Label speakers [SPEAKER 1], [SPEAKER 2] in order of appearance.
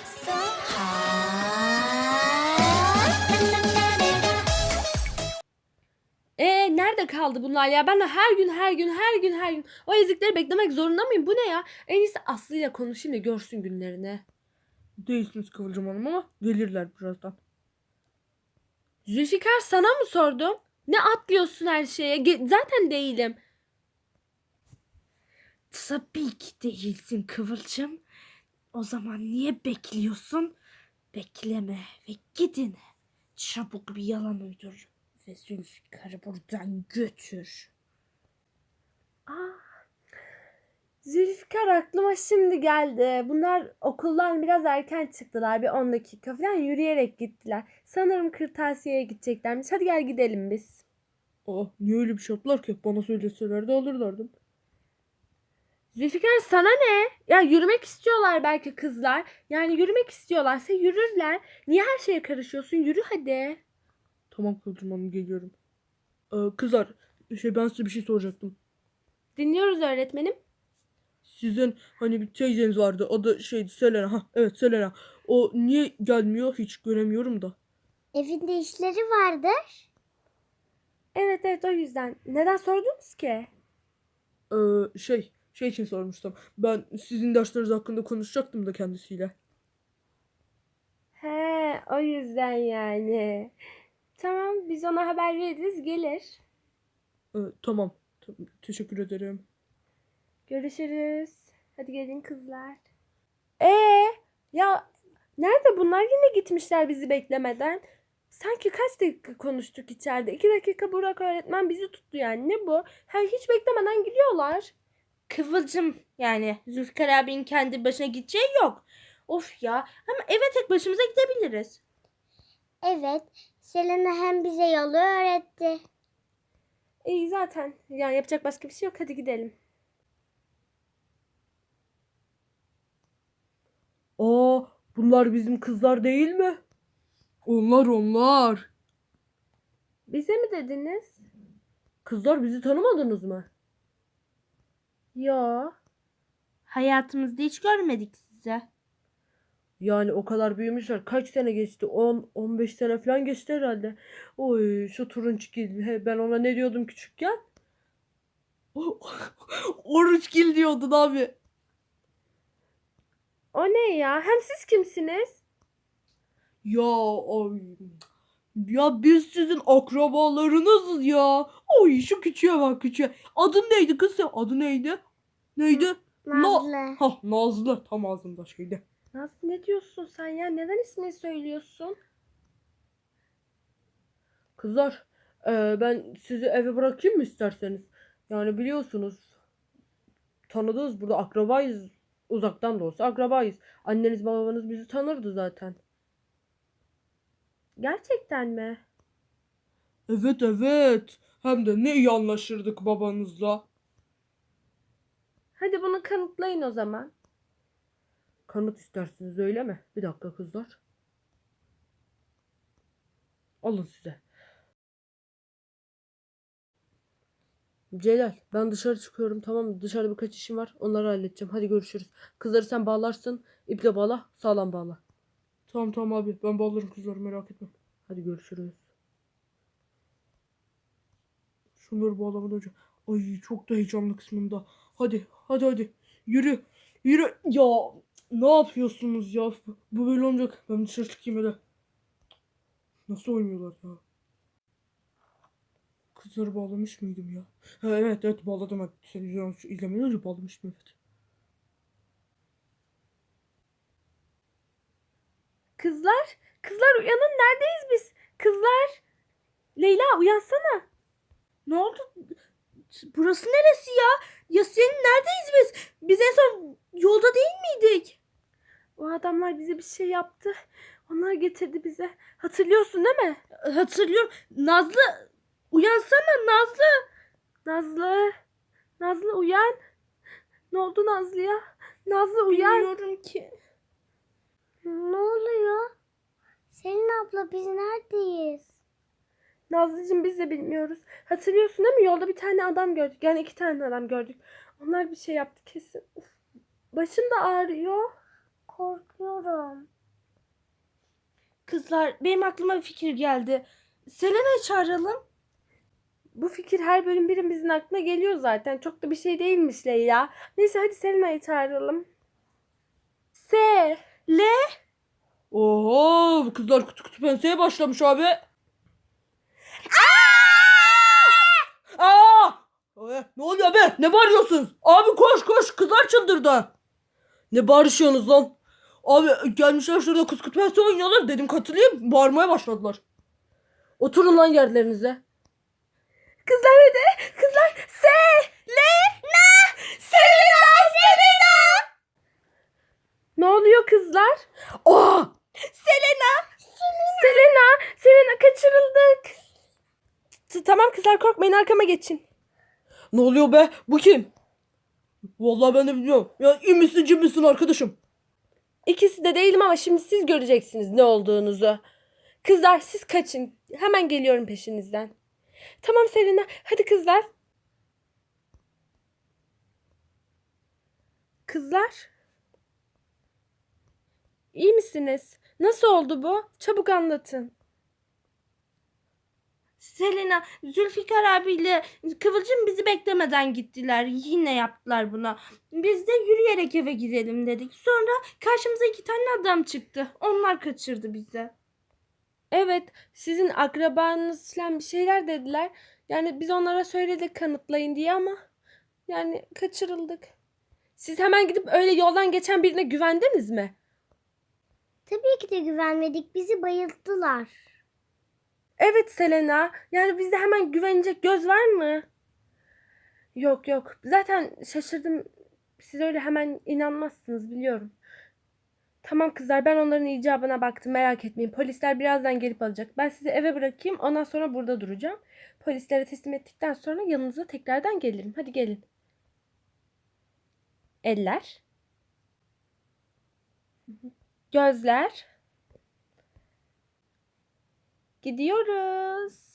[SPEAKER 1] So hot.
[SPEAKER 2] Nerede kaldı bunlar ya? Ben de her gün o ezikleri beklemek zorunda mıyım? Bu ne ya? En iyisi Aslı ile konuşayım da görsün günlerini.
[SPEAKER 3] Değilsiniz Kıvılcım Hanım ama gelirler birazdan.
[SPEAKER 2] Zülfikar, sana mı sordum? Ne atlıyorsun her şeye? Zaten değilim.
[SPEAKER 4] Tabii ki değilsin Kıvılcım. O zaman niye bekliyorsun? Bekleme ve gidin. Çabuk bir yalan uydur ve Zülfikar'ı buradan götür.
[SPEAKER 2] Zülfikar, aklıma şimdi geldi. Bunlar okuldan biraz erken çıktılar. Bir 10 dakika falan yürüyerek gittiler. Sanırım kırtasiyeye gideceklermiş. Hadi gel gidelim biz.
[SPEAKER 3] Niye öyle bir şey yaptılar ki? Bana söyleselerdi alırlardım.
[SPEAKER 2] Zülfikar, sana ne? Ya yürümek istiyorlar belki kızlar. Yani yürümek istiyorlarsa yürürler. Niye her şeye karışıyorsun? Yürü hadi.
[SPEAKER 3] Tamam Kıvılcım Hanım, geliyorum. Kızlar, ben size bir şey soracaktım.
[SPEAKER 2] Dinliyoruz öğretmenim.
[SPEAKER 3] Sizin hani bir teyzeniz vardı, adı Selena. Evet, Selena. O niye gelmiyor, hiç göremiyorum da.
[SPEAKER 1] Evinde işleri vardır.
[SPEAKER 2] Evet, o yüzden. Neden sordunuz ki?
[SPEAKER 3] Şey için sormuştum. Ben sizin dersleriniz hakkında konuşacaktım da kendisiyle.
[SPEAKER 2] He, o yüzden yani. Tamam, biz ona haber veririz, gelir.
[SPEAKER 3] Tamam. Teşekkür ederim.
[SPEAKER 2] Görüşürüz. Hadi gelin kızlar. Ya nerede bunlar? Yine gitmişler bizi beklemeden. Sanki kaç dakika konuştuk içeride. 2 dakika Burak öğretmen bizi tuttu yani. Ne bu? Hiç beklemeden gidiyorlar.
[SPEAKER 4] Kıvılcım, yani Zülfikar abinin kendi başına gideceği yok. Of ya, ama eve tek başımıza gidebiliriz.
[SPEAKER 1] Evet. Selena hem bize yolu öğretti.
[SPEAKER 2] İyi zaten. Yani yapacak başka bir şey yok. Hadi gidelim.
[SPEAKER 3] Bunlar bizim kızlar değil mi? Onlar.
[SPEAKER 2] Bize mi dediniz?
[SPEAKER 3] Kızlar, bizi tanımadınız mı?
[SPEAKER 2] Yo.
[SPEAKER 4] Hayatımızda hiç görmedik sizi.
[SPEAKER 3] Yani o kadar büyümüşler. Kaç sene geçti? 10-15 sene falan geçti herhalde. Oy, şu turunçgil. Ben ona ne diyordum küçükken? Oruçgil diyordun abi.
[SPEAKER 2] O ne ya? Hem siz kimsiniz?
[SPEAKER 3] Ay. Ya biz sizin akrabalarınızız ya. Oy, şu küçüğe bak, küçüğe. Adın neydi kız sen? Adı neydi? Neydi?
[SPEAKER 1] Nazlı.
[SPEAKER 3] Nazlı. Tam ağzımda şeydi.
[SPEAKER 2] Nasıl, ne diyorsun sen ya? Neden ismini söylüyorsun?
[SPEAKER 3] Kızlar, ben sizi eve bırakayım mı isterseniz? Yani biliyorsunuz, tanıdığız, burada akrabayız. Uzaktan da olsa akrabayız. Anneniz babanız bizi tanırdı zaten.
[SPEAKER 2] Gerçekten mi?
[SPEAKER 3] Evet. Hem de ne iyi anlaşırdık babanızla.
[SPEAKER 2] Hadi bunu kanıtlayın o zaman.
[SPEAKER 3] Kanıt istersiniz, öyle mi? Bir dakika kızlar. Alın size. Celal, ben dışarı çıkıyorum, tamam mı? Dışarıda birkaç işim var. Onları halledeceğim. Hadi görüşürüz. Kızları sen bağlarsın. İple bağla. Sağlam bağla. Tamam abi. Ben bağlarım kızları, merak etme. Hadi görüşürüz. Şunları bağlamadan önce. Ay, çok da heyecanlı kısmında. Hadi. Yürü. Ya ne yapıyorsunuz ya? Bu böyle olmayacak. Ben dışarı çıkayım hele. Nasıl oynuyorlar ya? Kızları bağlamış mıydım ya? Evet bağladım. Evet. Televizyon izlemeden önce bağlamıştım, evet.
[SPEAKER 2] Kızlar uyanın, neredeyiz biz? Kızlar. Leyla, uyansana.
[SPEAKER 4] Ne oldu? Burası neresi ya? Ya senin neredeyiz biz? Biz en son yolda değil miydik?
[SPEAKER 2] O adamlar bize bir şey yaptı. Onlar getirdi bize. Hatırlıyorsun değil mi?
[SPEAKER 4] Hatırlıyorum. Nazlı, uyansana Nazlı.
[SPEAKER 2] Nazlı uyan. Ne oldu Nazlı'ya? Nazlı uyan.
[SPEAKER 4] Bilmiyorum ki.
[SPEAKER 1] Ne oluyor? Selin abla biz neredeyiz?
[SPEAKER 2] Nazlıcığım, biz de bilmiyoruz. Hatırlıyorsun değil mi? Yolda bir tane adam gördük. Yani 2 tane adam gördük. Onlar bir şey yaptı kesin. Uf, başım da ağrıyor.
[SPEAKER 1] Korkuyorum.
[SPEAKER 4] Kızlar benim aklıma bir fikir geldi. Selena'yı çağıralım.
[SPEAKER 2] Bu fikir her bölüm birimizin aklına geliyor zaten. Çok da bir şey değilmiş Leyla. Neyse hadi Selena'yı çağıralım.
[SPEAKER 3] Oho bu kızlar kutu kutu penseye başlamış abi. Aa! Ne oluyor be? Ne bağırıyorsunuz? Abi koş koş kızlar çıldırdı. Ne bağırışıyorsunuz lan? Abi gelmişler şurada kutu kutu pense oynuyorlar. Dedim katılayım. Bağırmaya başladılar. Oturun lan yerlerinize.
[SPEAKER 2] Kızlar hadi. Kızlar. Selena. Ne oluyor kızlar?
[SPEAKER 3] Aa!
[SPEAKER 2] Selena kaçırıldık. Tamam kızlar korkmayın arkama geçin.
[SPEAKER 3] Ne oluyor be? Bu kim? Vallahi ben de bilmiyorum. Ya iyi misin cin misin arkadaşım?
[SPEAKER 2] İkisi de değilim ama şimdi siz göreceksiniz ne olduğunuzu. Kızlar siz kaçın. Hemen geliyorum peşinizden. Tamam Selena hadi kızlar. Kızlar. İyi misiniz? Nasıl oldu bu? Çabuk anlatın.
[SPEAKER 4] Selena, Zülfikar abiyle Kıvılcım bizi beklemeden gittiler. Yine yaptılar buna. Biz de yürüyerek eve gidelim dedik. Sonra karşımıza 2 tane adam çıktı. Onlar kaçırdı bizi.
[SPEAKER 2] Evet, sizin akrabanız falan bir şeyler dediler. Yani biz onlara söyledik kanıtlayın diye ama yani kaçırıldık. Siz hemen gidip öyle yoldan geçen birine güvendiniz mi?
[SPEAKER 1] Tabii ki de güvenmedik. Bizi bayılttılar.
[SPEAKER 2] Evet Selena. Yani bizde hemen güvenecek göz var mı? Yok yok. Zaten şaşırdım. Siz öyle hemen inanmazsınız biliyorum. Tamam kızlar ben onların icabına baktım merak etmeyin. Polisler birazdan gelip alacak. Ben sizi eve bırakayım ondan sonra burada duracağım. Polislere teslim ettikten sonra yanınıza tekrardan gelirim. Hadi gelin. Eller. Gözler. Gidiyoruz.